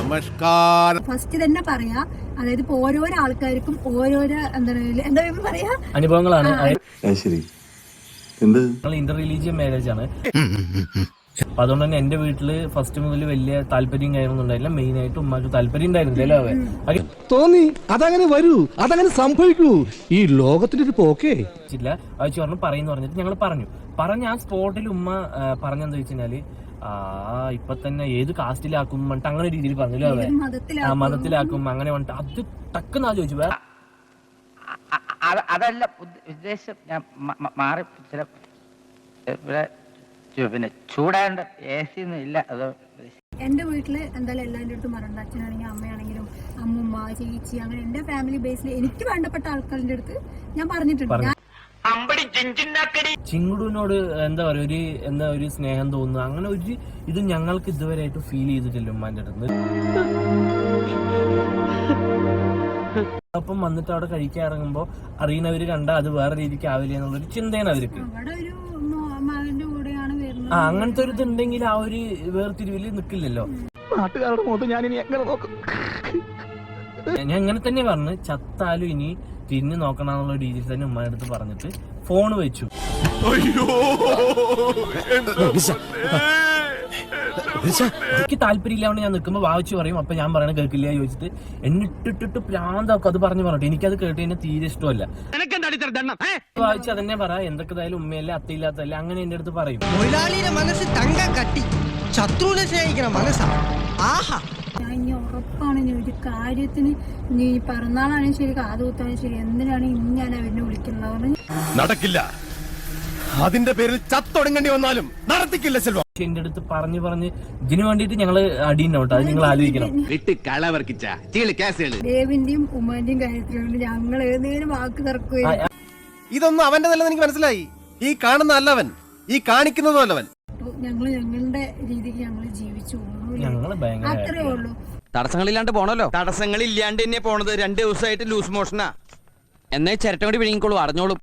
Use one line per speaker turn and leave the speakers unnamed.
നമസ്കാരം.
ഫസ്റ്റ് തന്നെ പറയാ, അതായത് ഇപ്പൊ ഓരോരോ ആൾക്കാർക്കും ഓരോരോ എന്താ പറയാ
അനുഭവങ്ങളാണ്.
ശരി, എന്ത്
ഇന്റർ റിലീജിയൻ മാരേജ് ആണ്. അപ്പൊ അതുകൊണ്ട് തന്നെ എന്റെ വീട്ടില് ഫസ്റ്റ് മുതൽ വലിയ താല്പര്യം കാര്യമൊന്നും ഉണ്ടായില്ല. മെയിൻ ആയിട്ട് ഉമ്മാക്ക് താല്പര്യം ഉണ്ടായിരുന്നില്ല.
തോന്നി അതങ്ങനെ വരൂ, അതങ്ങനെ സംഭവിക്കൂ, ഈ ലോകത്തിന്റെ ഒരു പോക്കേ.
അയച്ചു പറഞ്ഞു പറയുന്നു പറഞ്ഞിട്ട് ഞങ്ങൾ പറഞ്ഞ ആ സ്പോട്ടിൽ ഉമ്മ പറഞ്ഞെന്താ വെച്ചാല് ഇപ്പൊ തന്നെ ഏത് കാസ്റ്റിലാക്കും പറഞ്ഞിട്ട് അങ്ങനെ രീതിയിൽ പറഞ്ഞല്ലോ. അവ മതത്തിലാക്കും അങ്ങനെ പറഞ്ഞിട്ട് അത് ടക്കെന്നാ ചോദിച്ചു.
അതല്ല ഉദ്ദേശം, ഞാൻ മാറി ചില പിന്നെ ചൂടാണ്ട് എ സി ഒന്നും ഇല്ല. അത്
എന്റെ വീട്ടില് എന്തായാലും എല്ലാവരുടെ അടുത്തും പറയണ്ട. അച്ഛനാണെങ്കിലും അമ്മയാണെങ്കിലും അമ്മുമ്മ ചേച്ചി അങ്ങനെ എന്റെ ഫാമിലി ബേസിൽ എനിക്ക് വേണ്ടപ്പെട്ട ആൾക്കാരുടെ അടുത്ത് ഞാൻ പറഞ്ഞിട്ടുണ്ട്.
ചിങ്കുടുവിനോട് എന്താ ഒരു സ്നേഹം തോന്നുന്നു, അങ്ങനെ ഒരു ഇത് ഞങ്ങൾക്ക് ഇതുവരെയായിട്ട് ഫീൽ ചെയ്തിട്ടില്ല ഉമ്മാന്റെ അടുത്ത്. അപ്പം വന്നിട്ട് അവിടെ കഴിക്കാൻ ഇറങ്ങുമ്പോ അറിയുന്നവര് കണ്ട അത് വേറെ രീതിക്ക് ആവില്ല എന്നുള്ളൊരു ചിന്തയാണ് അവർക്ക്. അങ്ങനത്തെ ഒരു ഇതുണ്ടെങ്കിൽ ആ ഒരു വേർതിരിവില് നിക്കില്ലല്ലോ. ഞാൻ ഇങ്ങനെ തന്നെ പറഞ്ഞു, ചത്താലും ഇനി തിരിഞ്ഞു നോക്കണമെന്നുള്ള രീതിയിൽ തന്നെ ഉമ്മയുടെ അടുത്ത് പറഞ്ഞിട്ട് ഫോണ് വെച്ചു. എനിക്ക് താല്പര്യമില്ലാണ്ട് ഞാൻ നിൽക്കുമ്പോ വായിച്ചു പറയും. അപ്പൊ ഞാൻ പറയണ കേൾക്കില്ല ചോദിച്ചിട്ട് എന്നിട്ടിട്ട് പ്രാന്താക്കും. അത് പറഞ്ഞിട്ട് എനിക്കത് കേട്ട് കഴിഞ്ഞാൽ തീരെ ഇഷ്ടമല്ല. വായിച്ച് അതന്നെ പറ, എന്തൊക്കെതായാലും ഉമ്മയല്ലേ അത്തയില്ലാത്തല്ലേ അങ്ങനെ എന്റെ അടുത്ത് പറയും.
തൊഴിലാളിയുടെ മനസ്സ് തങ്കം കട്ടി, ശത്രുവിനെ സ്നേഹിക്കണം മനസ്സാ. ആഹാ,
ഇനി ഉറപ്പാണ് ഇനി ഒരു കാര്യത്തിന്, നീ പിറന്നാളാണെങ്കിൽ ശരി കാതുകുത്താനും ശരി എന്തിനാണ് ഇനി ഞാൻ അവരിനെ വിളിക്കുന്നത്
നടക്കില്ല. അതിന്റെ പേരിൽ ചത്തൊടുങ്ങേണ്ടി വന്നാലും നടത്തിക്കില്ല സെൽവ.
എന്റെ അടുത്ത് പറഞ്ഞ് ഇതിനു വേണ്ടിട്ട് ഞങ്ങള് അടിയുണ്ടാവും. അത് നിങ്ങൾ ആലോചിക്കണം.
ദേവിന്റെയും ഉമ്മാന്റെയും കാര്യത്തിലുണ്ട് ഞങ്ങൾ ഏതെങ്കിലും വാക്ക് തർക്കുകയും.
ഇതൊന്നും അവന്റെ നല്ലത് എനിക്ക് മനസ്സിലായി. ഈ കാണുന്ന അല്ലവൻ, ഈ കാണിക്കുന്നതും അല്ലവൻ.
ഞങ്ങള് ഞങ്ങളുടെ രീതിക്ക് ഞങ്ങള് ജീവിച്ചു
ഞങ്ങള് ഭയങ്കര
അത്രേ ഉള്ളൂ.
തടസ്സങ്ങളില്ലാണ്ട് പോണല്ലോ. തടസ്സങ്ങളില്ലാണ്ട് തന്നെ പോണത്. 2 ദിവസമായിട്ട് ലൂസ് മോഷനാ. എന്നേ ചിരട്ടം കൂടി വിഴുങ്ങിക്കോളൂ, അറിഞ്ഞോളൂ.